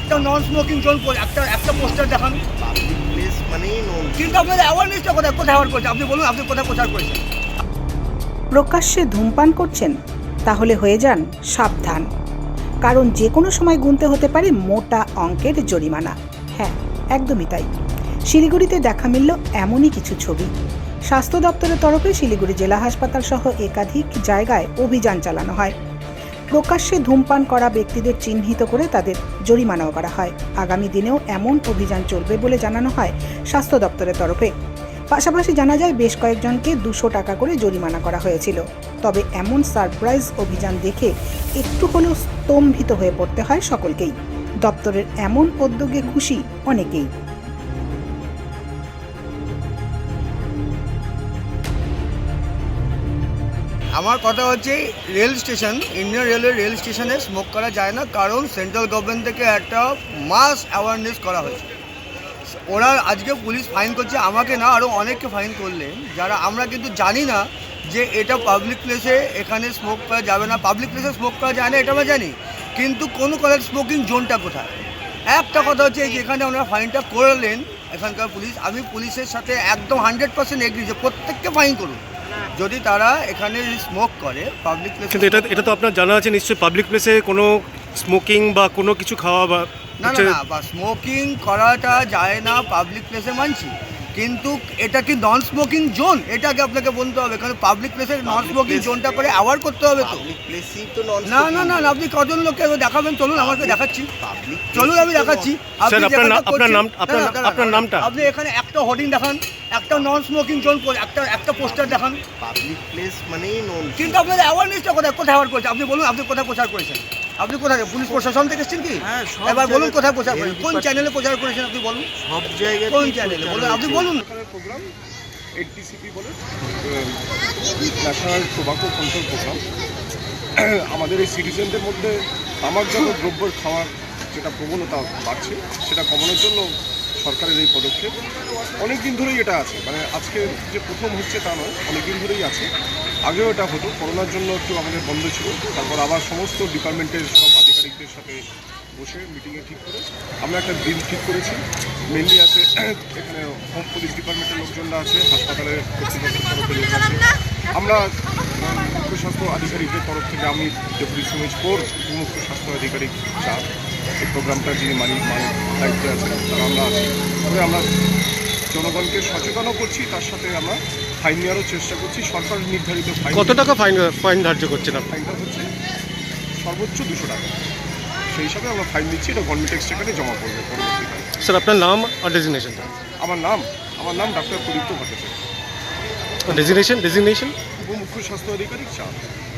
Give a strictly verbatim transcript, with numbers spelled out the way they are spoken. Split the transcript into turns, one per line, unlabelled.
একটা non smoking zone করে একটা একটা পোস্টার দেখান।
পাবলিক প্লেস মানেই নো।
কিন্তু আপনাদের অ্যাওয়ারনেসটা কোথায় কোথায় অ্যাওয়ার করছে আপনি বলুন, আপনি কোথায় প্রচার করেছেন?
প্রকাশ্যে ধূমপান করছেন? তাহলে হয়ে যান সাবধান, কারণ যে কোনো সময় গুনতে হতে পারে মোটা অঙ্কের জরিমানা। হ্যাঁ, একদমই তাই। শিলিগুড়িতে দেখা মিলল এমনই কিছু ছবি। স্বাস্থ্য দপ্তরের তরফে শিলিগুড়ি জেলা হাসপাতাল সহ একাধিক জায়গায় অভিযান চালানো হয়। প্রকাশ্যে ধূমপান করা ব্যক্তিদের চিহ্নিত করে তাদের জরিমানাও করা হয়। আগামী দিনেও এমন অভিযান চলবে বলে জানানো হয় স্বাস্থ্য দপ্তরের তরফে। পাশাপাশি জানা যায় বেশ কয়েকজনকে দুশো টাকা করে জরিমানা করা হয়েছিল। তবে এমন সারপ্রাইজ অভিযান দেখে একটু হলেও স্তম্ভিত হয়ে পড়তে হয় সকলকেই। দপ্তরের এমন উদ্যোগে খুশি অনেকেই।
আমার কথা হচ্ছে rail station, Indian railway rail স্টেশনে স্মোক করা যায় না, কারণ সেন্ট্রাল গভর্নমেন্ট থেকে একটা মাস অ্যাওয়ারনেস করা হয়েছে। ওরা আজকে পুলিশ ফাইন করছে, আমাকে না আরও অনেককে ফাইন করলেন, যারা আমরা কিন্তু জানি না যে এটা পাবলিক প্লেসে এখানে স্মোক করা যাবে না, পাবলিক প্লেসে স্মোক করা যায় না এটা আমরা জানি, কিন্তু কোন কলেজ স্মোকিং জোনটা কোথায়। একটা কথা হচ্ছে যেখানে ওনারা ফাইনটা করলেন এখানকার পুলিশ, আমি পুলিশের সাথে একদম হান্ড্রেড পার্সেন্ট এগ্রি যে প্রত্যেককে ফাইন করুন যদি তারা এখানে স্মোক করে পাবলিক প্লেসে।
কিন্তু এটা এটা তো আপনার জানা আছে নিশ্চয়ই, পাবলিক প্লেসে কোনো স্মোকিং বা কোনো কিছু খাওয়া বা
না না না বা স্মোকিং করাটা যায় না পাবলিক প্লেসে মানছি, কিন্তু এটা কি নন স্মোকিং জোন এটাকে আপনাকে বলতে হবে, কারণ পাবলিক প্লেসে নন স্মোকিং জোনটা করে অ্যাওয়ার করতে হবে তো।
পাবলিক প্লেসই তো নন।
না না না আপনি কজন লোককে দেখাবেন চলুন, আমাকে দেখাচ্ছি,
পাবলিক
চলুন আমি দেখাচ্ছি।
স্যার আপনার নাম আপনার নাম আপনার আপনার নামটা
আপনি এখানে একটা হোর্ডিং দেখান, একটা নন স্মোকিং জোন করে একটা একটা পোস্টার দেখান।
পাবলিক প্লেস মানেই নো।
কিন্তু আপনাদের অ্যাওয়ারনেসটা কোথায় কোথায় অ্যাওয়ার করছে আপনি বলুন, আপনি কোথায় প্রচার করেছেন? আপনি কোথায় পুলিশ প্রশাসন থেকে এসেছেন কি?
হ্যাঁ, সব
এবার বলুন
জায়গায়-
কোথায় প্রচার করেছেন,
হেলথ
কোন
ডিপার্ট-
চ্যানেলে প্রচার করেছেন আপনি বলুন,
সব জায়গায়
কোন চ্যানেলে বলুন, আপনি বলুন।
সরকারের প্রোগ্রাম এইচটিসিপি বলে ন্যাশনাল টোবাকো কন্ট্রোল প্রোগ্রাম। আমাদের এই সিটিজেনদের মধ্যে তামাকজাত দ্রব্য খাওয়ার যেটা প্রবণতা বাড়ছে সেটা কমানোর জন্য সরকারের এই পদক্ষেপ। অনেক দিন ধরেই এটা আছে, মানে আজকে যে প্রথম হচ্ছে তা নয়, অনেক দিন ধরেই আছে। আগেও এটা হতো, করোনার জন্য একটু আমাদের বন্ধ ছিল, তারপর আবার সমস্ত ডিপার্টমেন্টের সব আধিকারিকদের সাথে বসে মিটিংয়ে ঠিক করে আমরা একটা দিন ঠিক করেছি। মেনলি আছে এখানে হোম পুলিশ ডিপার্টমেন্টের লোকজনরা আছে, হাসপাতালের কর্তৃপক্ষের তরফে লোক আছে, আমরা মুখ্য স্বাস্থ্য আধিকারিকদের তরফ থেকে আমি ডেপুটি সুমেশ কোর মুখ্য স্বাস্থ্য আধিকারিক চাপ এই প্রোগ্রামটা যিনি মালিক মালিক দায়িত্বে আছেন তারা আমরা আছি। তবে আমরা জনগণকে সচেতনও করছি, তার সাথে আমরা ফাইন নেওয়ারও চেষ্টা করছি। সরকার নির্ধারিত ফাইন
কত টাকা ফাইন ফাইন ধার্য করছেন আপনি?
ফাইনটা হচ্ছে সর্বোচ্চ দুশো টাকা, সেই হিসাবে আমরা ফাইন দিচ্ছি। এটা গভর্নমেন্ট এক্সচেকারে জমা করবে পরবর্তীকালে।
স্যার আপনার নাম আর ডেজিগনেশনটা?
আমার নাম আমার নাম doctor Pradipta Bhattacharya,
designation designation
উপমুখ্য স্বাস্থ্য আধিকারিক চাপ।